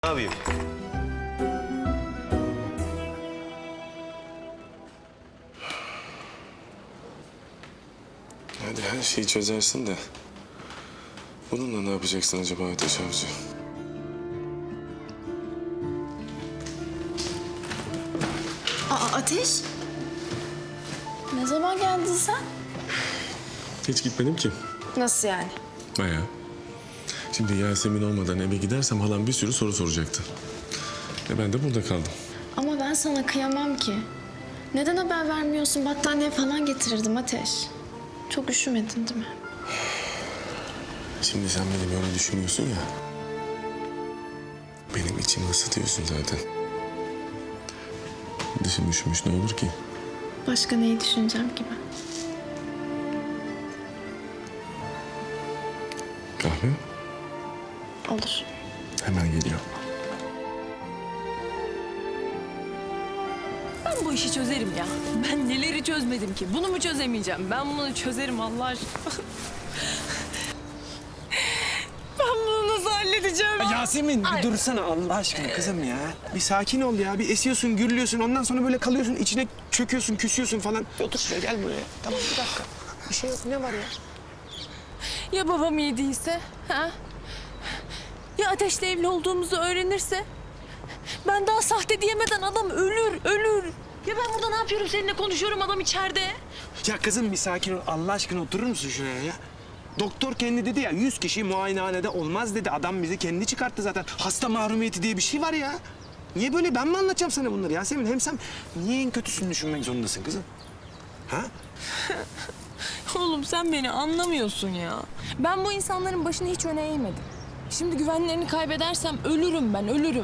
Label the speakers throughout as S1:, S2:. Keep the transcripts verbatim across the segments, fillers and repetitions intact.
S1: Ne yapayım?
S2: Hadi her şeyi çözersin de bununla ne yapacaksın acaba Ateş Avcı?
S3: Aa, Ateş. Ne zaman geldin sen?
S2: Hiç gitmedim ki.
S3: Nasıl yani?
S2: Bayağı. Şimdi Yasemin olmadan eve gidersem halam bir sürü soru soracaktı. E ben de burada kaldım.
S3: Ama ben sana kıyamam ki. Neden haber vermiyorsun? Battaniye falan getirirdim Ateş. Çok üşümedin değil mi?
S2: Şimdi sen beni böyle düşünüyorsun ya. Benim içimi ısıtıyorsun zaten. Dışım üşümüş ne olur ki?
S3: Başka neyi düşüneceğim ki ben?
S2: Kahve
S3: Olur.
S2: hemen geliyor.
S4: Ben bu işi çözerim ya. Ben neleri çözmedim ki? Bunu mu çözemeyeceğim? Ben bunu çözerim Allah aşkına. Ben bunu nasıl halledeceğim?
S5: Yasemin bir dursana Allah aşkına kızım ya. Bir sakin ol ya. Bir esiyorsun, gürlüyorsun. Ondan sonra böyle kalıyorsun. İçine çöküyorsun, küsüyorsun falan. Otur şuraya gel buraya. Tamam bir dakika. Bir şey yok. Ne var ya?
S4: Ya babam iyi değilse? Ha? Ya Ateş'le evli olduğumuzu öğrenirse? Ben daha sahte diyemeden adam ölür, ölür. Ya ben burada ne yapıyorum? Seninle konuşuyorum, adam içeride.
S5: Ya kızım bir sakin ol. Allah aşkına oturur musun şuraya ya? Doktor kendi dedi ya yüz kişi muayenehanede olmaz dedi. Adam bizi kendi çıkarttı zaten. Hasta mahrumiyeti diye bir şey var ya. Niye böyle? Ben mi anlatacağım sana bunları Yasemin? Hem sen niye en kötüsünü düşünmek zorundasın kızım? Ha?
S4: Oğlum sen beni anlamıyorsun ya. Ben bu insanların başını hiç öne eğmedim. Şimdi güvenlerini kaybedersem ölürüm ben, ölürüm.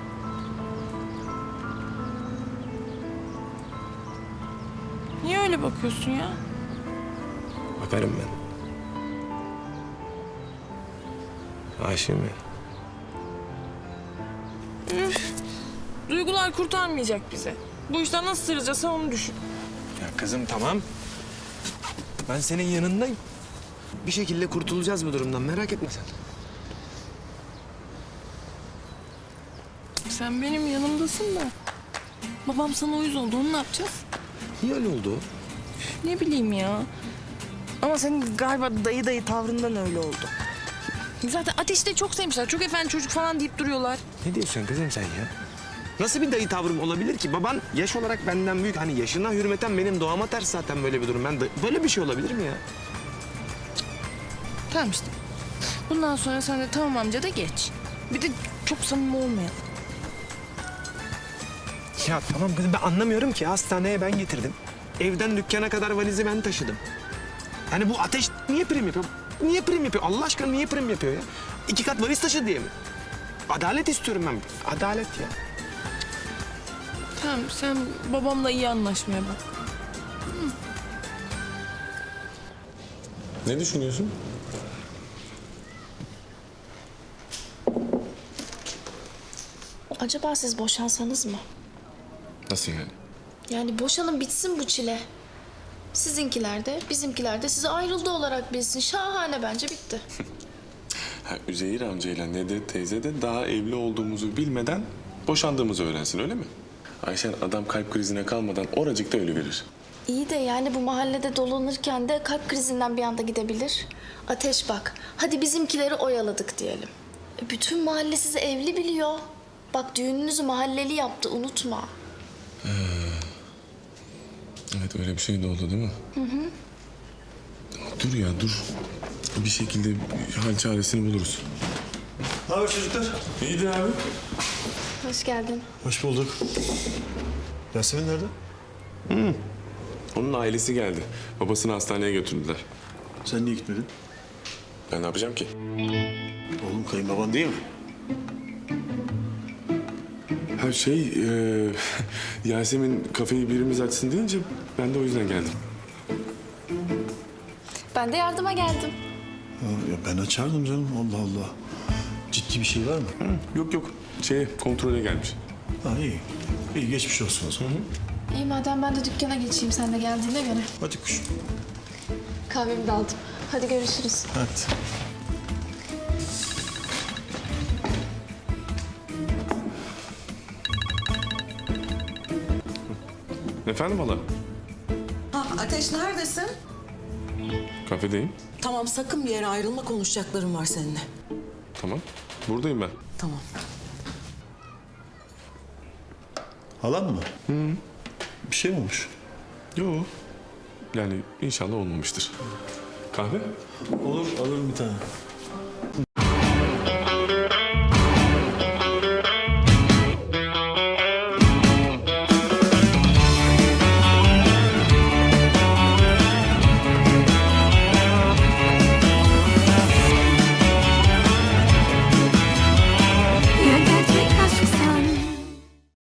S4: Niye öyle bakıyorsun ya?
S5: Bakarım ben. Aşığım ya.
S4: Üf, duygular kurtarmayacak bizi. Bu işten nasıl sıracağız onu düşün.
S5: Ya kızım tamam. Ben senin yanındayım. Bir şekilde kurtulacağız bu durumdan. Merak etme sen.
S4: Sen benim yanımdasın da. Babam sana uyuz oldu, onu ne yapacağız?
S5: Niye öyle oldu?
S4: Ne bileyim ya. Ama senin galiba dayı dayı tavrından öyle oldu. Zaten Ateş'i de çok sevmişler. Çok efendi çocuk falan deyip duruyorlar.
S5: Ne diyorsun kızım sen ya? Nasıl bir dayı tavrım olabilir ki? Baban yaş olarak benden büyük. Hani yaşına hürmeten benim doğama ters zaten böyle bir durum. Ben de, böyle bir şey olabilir mi ya?
S4: Tamam işte. Bundan sonra sen de tamam amca da geç. Bir de çok samimi olmayalım.
S5: Ya tamam kızım ben anlamıyorum ki. Hastaneye ben getirdim. Evden dükkana kadar valizi ben taşıdım. Hani bu Ateş niye prim yapıyor? Niye prim yapıyor? Allah aşkına niye prim yapıyor ya? İki kat valiz taşı diye mi? Adalet istiyorum ben. Adalet ya.
S4: Tamam sen babamla iyi anlaşmaya bak.
S2: Ne düşünüyorsun?
S3: Acaba siz boşansanız mı?
S2: Nasıl yani?
S3: Yani boşanın bitsin bu çile. Sizinkiler de bizimkiler de size ayrıldı olarak bilsin. Şahane bence bitti.
S2: Ha, Üzeyir amcayla Nedet teyze de daha evli olduğumuzu bilmeden boşandığımızı öğrensin öyle mi? Ayşen adam kalp krizine kalmadan oracıkta ölüverir.
S3: İyi de yani bu mahallede dolanırken de kalp krizinden bir anda gidebilir. Ateş bak, hadi bizimkileri oyaladık diyelim. E, bütün mahalle sizi evli biliyor. Bak düğününüzü mahalleli yaptı, unutma.
S2: Evet öyle bir şey de oldu değil mi? Hı hı. Dur ya dur. Bir şekilde hal çaresini buluruz.
S1: Ne haber çocuklar?
S2: İyidir abi.
S3: Hoş geldin.
S1: Hoş bulduk. Yasemin nerede?
S2: Onun ailesi geldi. Babasını hastaneye götürdüler.
S1: Sen niye gitmedin?
S2: Ben ne yapacağım ki?
S1: Oğlum kayınbaban değil mi?
S2: Ha şey, e, Yasemin kafeyi birimiz açsın deyince ben de o yüzden geldim.
S3: Ben de yardıma geldim.
S1: Ha, ya ben açardım canım. Allah Allah. Ciddi bir şey var mı?
S2: Yok yok, şey kontrole gelmiş.
S1: Ha iyi. İyi geçmiş olsun o zaman.
S3: İyi madem ben de dükkana geçeyim sen de geldiğine göre.
S1: Hadi kuşum.
S3: Kahvemi de aldım. Hadi görüşürüz.
S1: Hadi.
S2: Efendim hala?
S6: Ha, Ateş neredesin?
S2: Kafedeyim.
S6: Tamam sakın bir yere ayrılma, konuşacaklarım var seninle.
S2: Tamam. Buradayım ben.
S6: Tamam.
S1: Halam mı? Hı. Bir şey mi olmuş?
S2: Yo. Yani inşallah olmamıştır. Kahve?
S1: Olur, alırım bir tane.